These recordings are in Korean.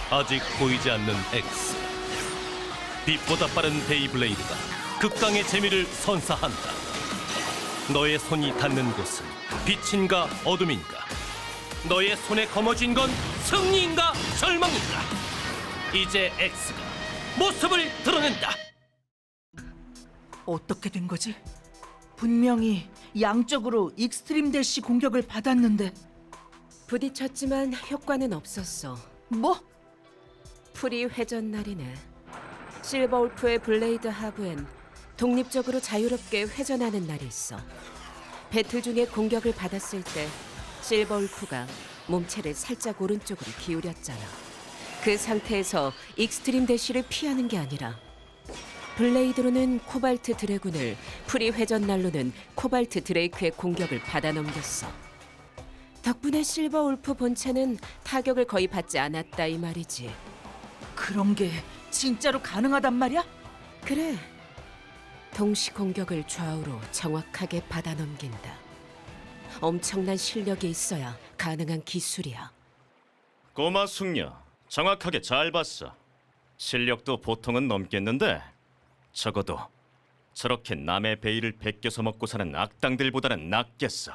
아직 보이지 않는 X. 빛보다 빠른 베이블레이드가 극강의 재미를 선사한다. 너의 손이 닿는 곳은 빛인가 어둠인가? 너의 손에 거머쥔 건 승리인가 절망인가? 이제 X가 모습을 드러낸다. 어떻게 된 거지? 분명히 양쪽으로 익스트림 대시 공격을 받았는데. 부딪혔지만 효과는 없었어. 뭐? 풀이 회전 날이네. 실버 울프의 블레이드 하부엔 독립적으로 자유롭게 회전하는 날이 있어. 배틀 중에 공격을 받았을 때 실버 울프가 몸체를 살짝 오른쪽으로 기울였잖아. 그 상태에서 익스트림 대시를 피하는 게 아니라 블레이드로는 코발트 드래곤을, 풀이 회전 날로는 코발트 드레이크의 공격을 받아 넘겼어. 덕분에 실버 울프 본체는 타격을 거의 받지 않았다 이 말이지. 그런 게 진짜로 가능하단 말이야? 그래. 동시 공격을 좌우로 정확하게 받아 넘긴다. 엄청난 실력이 있어야 가능한 기술이야. 꼬마 숙녀, 정확하게 잘 봤어. 실력도 보통은 넘겠는데 적어도 저렇게 남의 베일을 베껴서 먹고 사는 악당들보다는 낫겠어.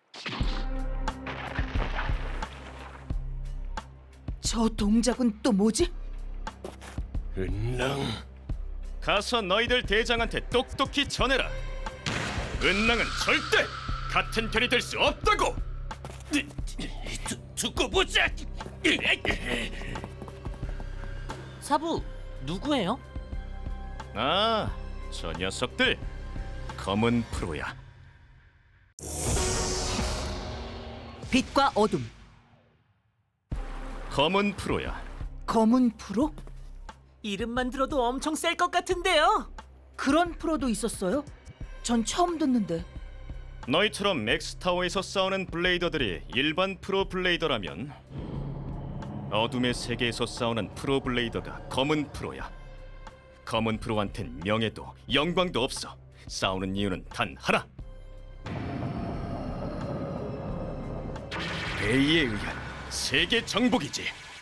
저 동작은 또 뭐지? 은랑. 가서 너희들 대장한테 똑똑히 전해라. 은랑은 절대 같은 편이 될 수 없다고. 두고 보자. 사부, 누구예요? 아, 저 녀석들 검은 프로야. 빛과 어둠, 검은 프로야. 검은 프로? 이름만 들어도 엄청 셀 것 같은데요. 그런 프로도 있었어요? 전 처음 듣는데. 너희처럼 맥스타워에서 싸우는 블레이더들이 일반 프로 블레이더라면 어둠의 세계에서 싸우는 프로 블레이더가 검은 프로야. 검은 프로한텐 명예도 영광도 없어. 싸우는 이유는 단 하나. 베이에 의한 세계 정복이지.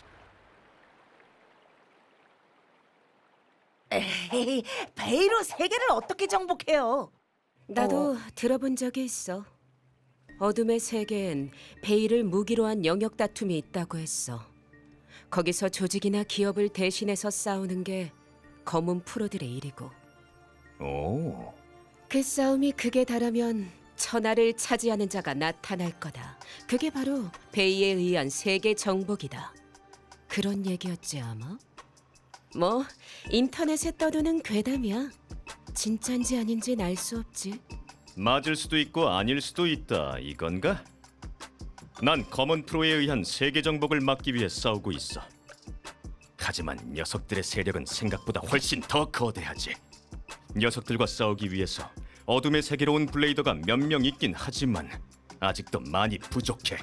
에이, 베이로 세계를 어떻게 정복해요? 나도 들어본 적이 있어. 어둠의 세계엔 베일을 무기로 한 영역 다툼이 있다고 했어. 거기서 조직이나 기업을 대신해서 싸우는 게 검은 프로들의 일이고, 오, 그 싸움이 극에 달하면 천하를 차지하는 자가 나타날 거다. 그게 바로 베이에 의한 세계 정복이다. 그런 얘기였지 아마? 뭐 인터넷에 떠도는 괴담이야. 진짠지 아닌지는 알 수 없지. 맞을 수도 있고 아닐 수도 있다 이건가? 난 검은 프로에 의한 세계 정복을 막기 위해 싸우고 있어. 하지만 녀석들의 세력은 생각보다 훨씬 더 거대하지. 녀석들과 싸우기 위해서 어둠의 세계로 온 블레이더가 몇 명 있긴 하지만 아직도 많이 부족해.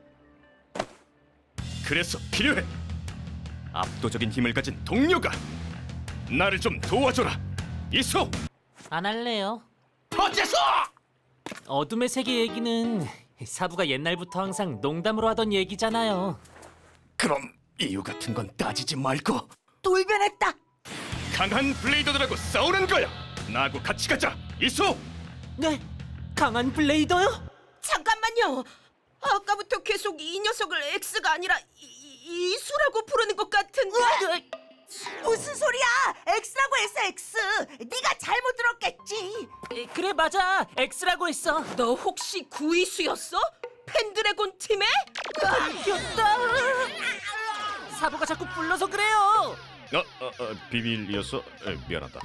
그래서 필요해. 압도적인 힘을 가진 동료가. 나를 좀 도와줘라. 이소! 안 할래요. 어째서! 어둠의 세계 얘기는 사부가 옛날부터 항상 농담으로 하던 얘기잖아요. 그럼 이유 같은 건 따지지 말고 돌변했다. 강한 블레이더들하고 싸우는 거야. 나하고 같이 가자. 이소! 네, 강한 블레이더요? 잠깐만요. 아까부터 계속 이 녀석을 X가 아니라 이수라고 부르는 것 같은데. 무슨 소리야? X라고 했어, X. 네가 잘못 들었겠지. 그래 맞아, X라고 했어. 너 혹시 구이수였어? 펜드래곤 팀에? 웃겼다. 사부가 자꾸 불러서 그래요. 비밀이어서 미안하다.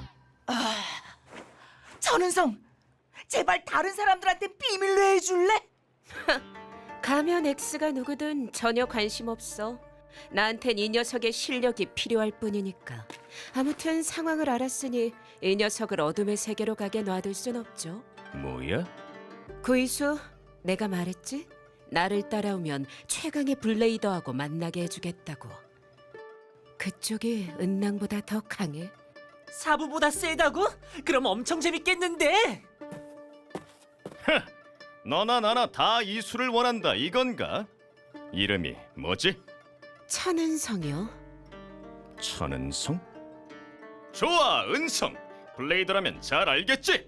전은성, 제발 다른 사람들한테 비밀로 해줄래? 가면 X가 누구든 전혀 관심 없어. 나한텐 이 녀석의 실력이 필요할 뿐이니까. 아무튼 상황을 알았으니 이 녀석을 어둠의 세계로 가게 놔둘 순 없죠. 뭐야? 구이수, 내가 말했지? 나를 따라오면 최강의 블레이더하고 만나게 해주겠다고. 그쪽이 은낭보다 더 강해. 사부보다 세다고? 그럼 엄청 재밌겠는데. 너나 나나 다 이수를 원한다 이건가? 이름이 뭐지? 천은성이요. 천은성? 좋아, 은성. 블레이더라면 잘 알겠지?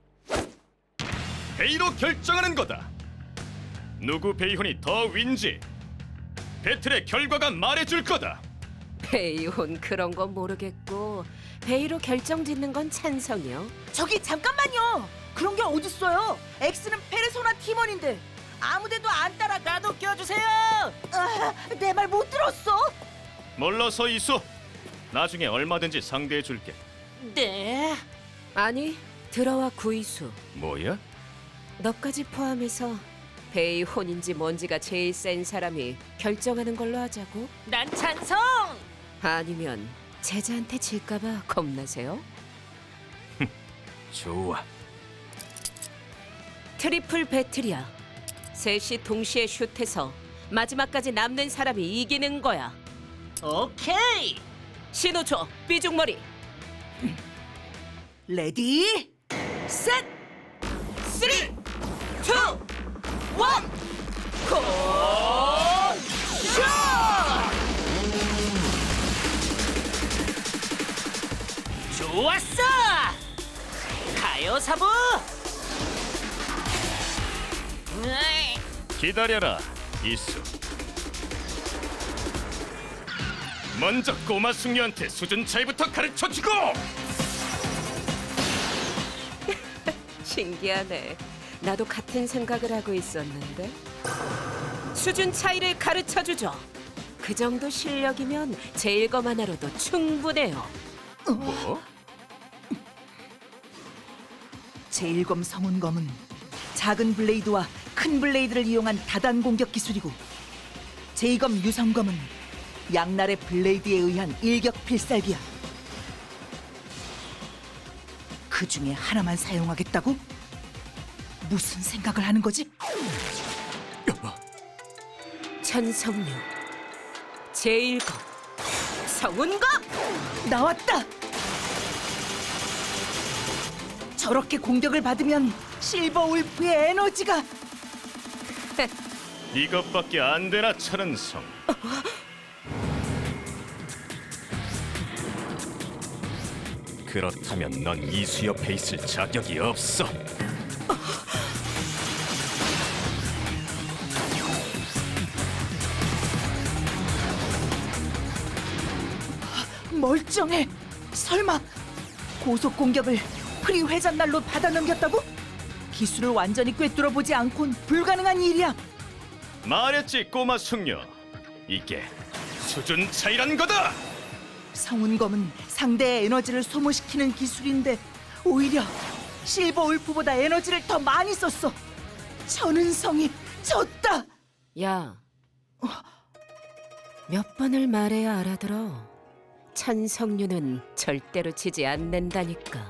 베이로 결정하는 거다. 누구 베이혼이 더 윈지 배틀의 결과가 말해줄 거다. 베이혼 그런 건 모르겠고 베이로 결정짓는 건 찬성이요. 저기 잠깐만요. 그런 게 어딨어요? 엑스는 페르소나 팀원인데 아무데도 안 따라. 나도 껴주세요. 내 말 못 들었어? 몰라서 이소. 나중에 얼마든지 상대해줄게. 네. 아니 들어와 구이수. 뭐야? 너까지 포함해서 베이혼인지 뭔지가 제일 센 사람이 결정하는 걸로 하자고? 난 찬성. 아니면 제자한테 질까봐 겁나세요? 좋아. 트리플 배틀이야. 셋이 동시에 슛해서 마지막까지 남는 사람이 이기는 거야. 오케이. 신호 줘, 삐죽머리. 레디 셋 3, 2, 1, 고! 좋았어. 가요 사부. 으이. 기다려라, 이수. 먼저 꼬마 숙녀한테 수준 차이부터 가르쳐주고. 신기하네. 나도 같은 생각을 하고 있었는데. 수준 차이를 가르쳐 주죠. 그 정도 실력이면 제일검 하나로도 충분해요. 뭐? 제1검 성운검은 작은 블레이드와 큰 블레이드를 이용한 다단 공격 기술이고 제2검 유성검은 양날의 블레이드에 의한 일격 필살기야. 그 중에 하나만 사용하겠다고? 무슨 생각을 하는 거지? 천성류, 제1검, 성운검! 나왔다! 저렇게 공격을 받으면 실버 울프의 에너지가 이것밖에 안 되나, 천은성. 그렇다면 넌 이수 옆에 있을 자격이 없어. 멀쩡해. 설마 고속 공격을 프리 회전날로 받아 넘겼다고? 기술을 완전히 꿰뚫어 보지 않곤 불가능한 일이야. 말했지, 꼬마 숙녀. 이게 수준 차이란 거다. 성운검은 상대의 에너지를 소모시키는 기술인데 오히려 실버 울프보다 에너지를 더 많이 썼어. 천은성이 졌다. 야, 몇 번을 말해야 알아들어. 천성류는 절대로 지지 않는다니까.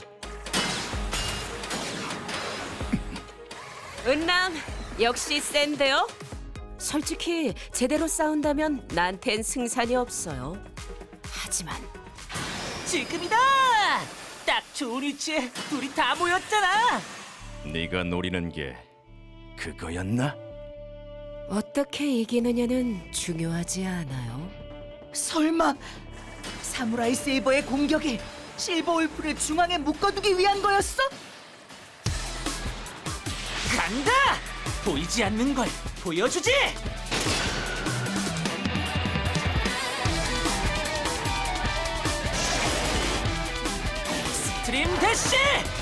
은랑 역시 센데요? 솔직히 제대로 싸운다면 나한텐 승산이 없어요. 하지만 지금이다. 딱 좋은 위치에 둘이 다 모였잖아. 네가 노리는 게 그거였나? 어떻게 이기느냐는 중요하지 않아요. 설마 사무라이 세이버의 공격이 실버 울프를 중앙에 묶어두기 위한 거였어? 간다. 보이지 않는 걸 보여주지. 스트림 대시.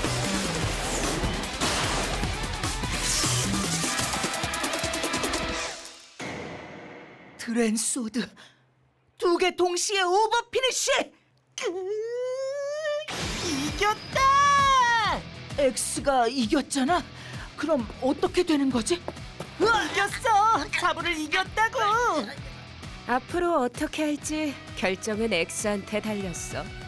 드랜소드 두 개 동시에 오버 피니쉬! 이겼다. 엑스가 이겼잖아. 그럼 어떻게 되는 거지? 으아! 이겼어. 사부를 이겼다고. 앞으로 어떻게 할지 결정은 엑스한테 달렸어.